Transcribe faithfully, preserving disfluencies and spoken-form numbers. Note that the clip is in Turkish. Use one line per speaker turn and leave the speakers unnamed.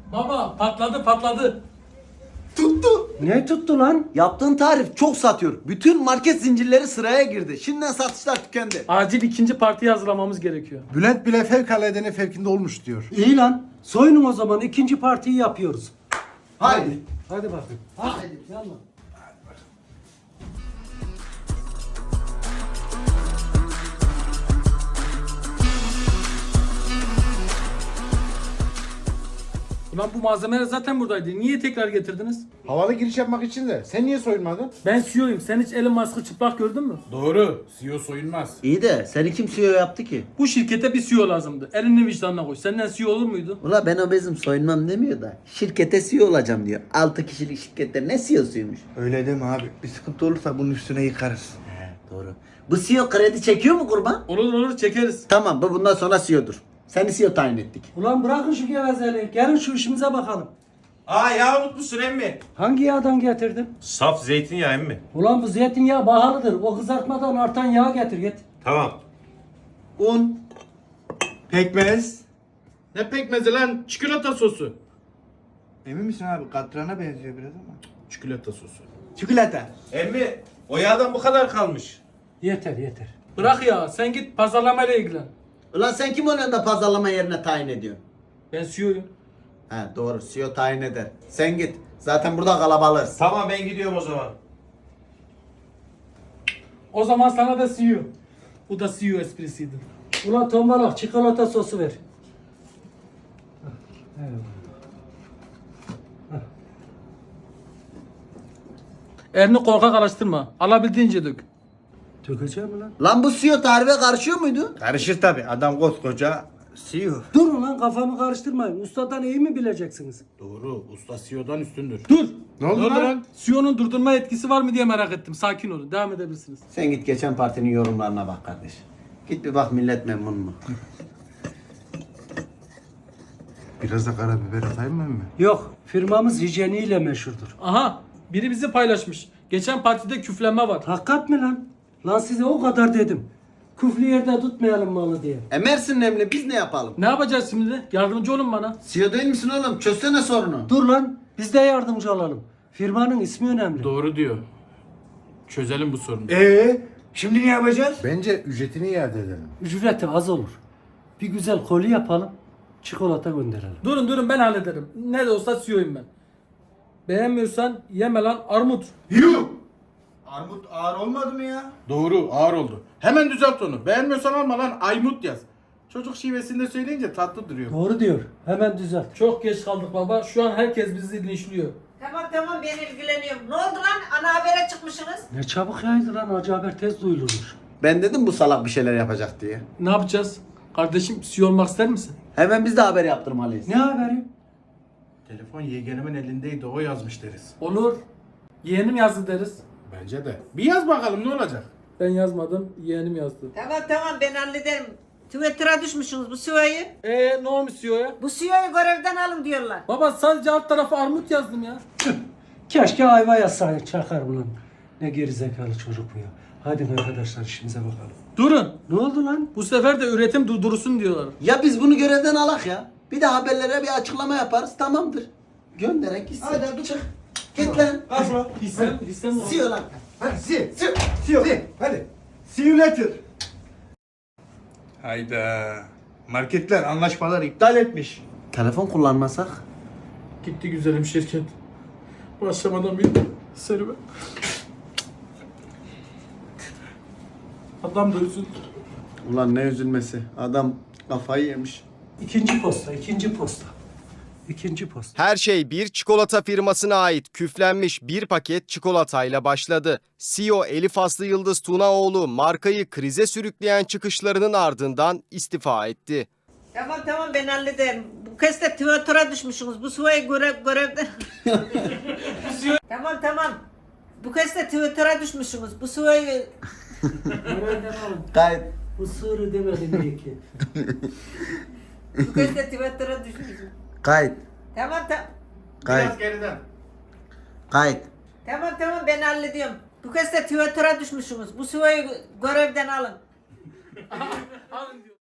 Baba patladı patladı.
Tuttu.
Ne tuttu lan?
Yaptığın tarif çok satıyor. Bütün market zincirleri sıraya girdi. Şimdiden satışlar tükendi.
Acil ikinci partiyi hazırlamamız gerekiyor.
Bülent bile fevkaladenin fevkinde olmuş diyor.
İyi lan. Soyunun o zaman ikinci partiyi yapıyoruz.
Haydi.
Hadi bakayım. Hadi. Yallah.
Ulan bu malzemeler zaten buradaydı. Niye tekrar getirdiniz?
Havalı giriş yapmak için de. Sen niye soyunmadın?
Ben C E O'yum. Sen hiç Elon Musk'ı çıplak gördün mü?
Doğru. C E O soyunmaz.
İyi de seni kim C E O yaptı ki?
Bu şirkete bir C E O lazımdı. Elini vicdanına koy. Senden C E O olur muydu?
Ula ben obezim soyunmam demiyor da. Şirkete C E O olacağım diyor. altı kişilik şirkette ne C E O'suymuş?
Öyle deme abi. Bir sıkıntı olursa bunun üstüne yıkarız.
Doğru. Bu C E O kredi çekiyor mu kurban?
Olur olur çekeriz.
Tamam bu bundan sonra C E O'dur. Seni C E O tayin ettik.
Ulan bırakın şu gevezeliği. Gelin şu işimize bakalım.
Aa yağ unutmuşsun emmi.
Hangi yağdan getirdin?
Saf zeytinyağı emmi.
Ulan bu zeytinyağı pahalıdır. O kızartmadan artan yağ getir git.
Tamam.
Un. Pekmez.
Ne pekmezi lan? Çikolata sosu.
Emin misin abi? Katrana benziyor biraz ama.
Çikolata sosu.
Çikolata.
Emmi o yağdan bu kadar kalmış.
Yeter yeter.
Bırak ya. Sen git pazarlamayla ilgilen.
Ulan sen kim oluyorsun da pazarlama yerine tayin ediyorsun?
Ben C E O'yum.
He doğru C E O tayin eder. Sen git. Zaten burada kalabalığız.
Tamam ben gidiyorum o zaman.
O zaman sana da C E O. Bu da C E O esprisiydi.
Ulan tombalak çikolata sosu ver.
Elini korkak araştırma. Alabildiğince dök.
Dökeceğim mi lan?
Lan bu C E O tarife karışıyor muydu?
Karışır tabi. Adam koskoca C E O.
Durun lan kafamı karıştırmayın. Ustadan iyi mi bileceksiniz?
Doğru. Usta C E O'dan üstündür.
Dur.
Ne oldu lan?
C E O'nun durdurma etkisi var mı diye merak ettim. Sakin olun. Devam edebilirsiniz.
Sen git geçen partinin yorumlarına bak kardeş. Git bir bak millet memnun mu?
Biraz da karabiber atayım mı emmi?
Yok. Firmamız hijyeniyle meşhurdur.
Aha. Biri bizi paylaşmış. Geçen partide küflenme var.
Hakikat mi lan? Lan size o kadar dedim. Küflü yerde tutmayalım malı diye.
E Mersin Nemli biz ne yapalım?
Ne yapacağız şimdi? Yardımcı olun bana.
C E O değil misin oğlum? Çözsene sorunu.
Dur lan. Biz de yardımcı olalım. Firmanın ismi önemli.
Doğru diyor. Çözelim bu sorunu.
Eee? Şimdi ne yapacağız?
Bence ücretini iade edelim.
Ücreti az olur. Bir güzel koli yapalım. Çikolata gönderelim.
Durun durun ben hallederim. Ne de olsa C E O'yum ben. Beğenmiyorsan yeme lan armut.
Yuh! Armut ağır olmadı mı ya?
Doğru. Ağır oldu. Hemen düzelt onu. Beğenmiyorsan alma lan. Aymut yaz. Çocuk şivesinde söyleyince tatlı duruyor.
Doğru diyor. Hemen düzelt.
Çok geç kaldık baba. Şu an herkes bizi linçliyor.
Tamam tamam ben ilgileniyorum. Ne oldu lan? Ana habere çıkmışsınız.
Ne çabuk yaydı lan. Acı haber tez duyulurmuş.
Ben dedim bu salak bir şeyler yapacak diye.
Ne yapacağız? Kardeşim C E O olmak ister misin?
Hemen biz de haber yaptırmalıyız.
Ne haberi?
Telefon yeğenimin elindeydi. O yazmış deriz.
Olur. Yeğenim yazdı deriz.
Bence de. Bir yaz bakalım ne olacak?
Ben yazmadım. Yeğenim yazdı.
Tamam tamam ben hallederim. Twitter'a düşmüşsünüz bu C E O'yu.
Eee ne olmuş C E O'ya?
Bu C E O'yu görevden alın diyorlar.
Baba sadece alt tarafa armut yazdım ya.
Keşke ayva yazsaydık. Çakar ulan. Ne gerizekalı çocuk bu ya. Hadi arkadaşlar işimize bakalım.
Durun.
Ne oldu lan?
Bu sefer de üretim durdurulsun diyorlar.
Ya biz bunu görevden alak ya. Bir de haberlere bir açıklama yaparız tamamdır. Gönderek gitsin.
Hadi hadi çık.
Git lan.
Kaçma.
Hissem, hissem
C E O lan.
Hadi see. See. See you. Hadi. See you later. Hayda. Marketler anlaşmalar iptal etmiş.
Telefon kullanmasak?
Gitti güzelim şirket. Başlamadan bir serüven. Adam da üzüldü.
Ulan ne üzülmesi. Adam kafayı yemiş.
İkinci posta, ikinci posta. İkinci posta.
Her şey bir çikolata firmasına ait küflenmiş bir paket çikolatayla başladı. C E O Elif Aslı Yıldız Tunaoğlu markayı krize sürükleyen çıkışlarının ardından istifa etti.
Tamam tamam ben hallederim. Bu kez de Twitter'a düşmüşsünüz. Bu C E O'yu görev, görevden... tamam tamam. Bu kez de Twitter'a düşmüşsünüz. Bu C E O'yu...
Kayıt.
Bu sığırı demedim diye ki.
Bu kez de Twitter'a düşmüşsünüz.
Kayıt.
Tamam tamam.
Kayıt.
Biraz geriden.
Kayıt.
Tamam tamam ben hallediyorum. Bu kez de Twitter'a düşmüşsünüz. Bu C E O'yu görevden alın.
Alın diyor.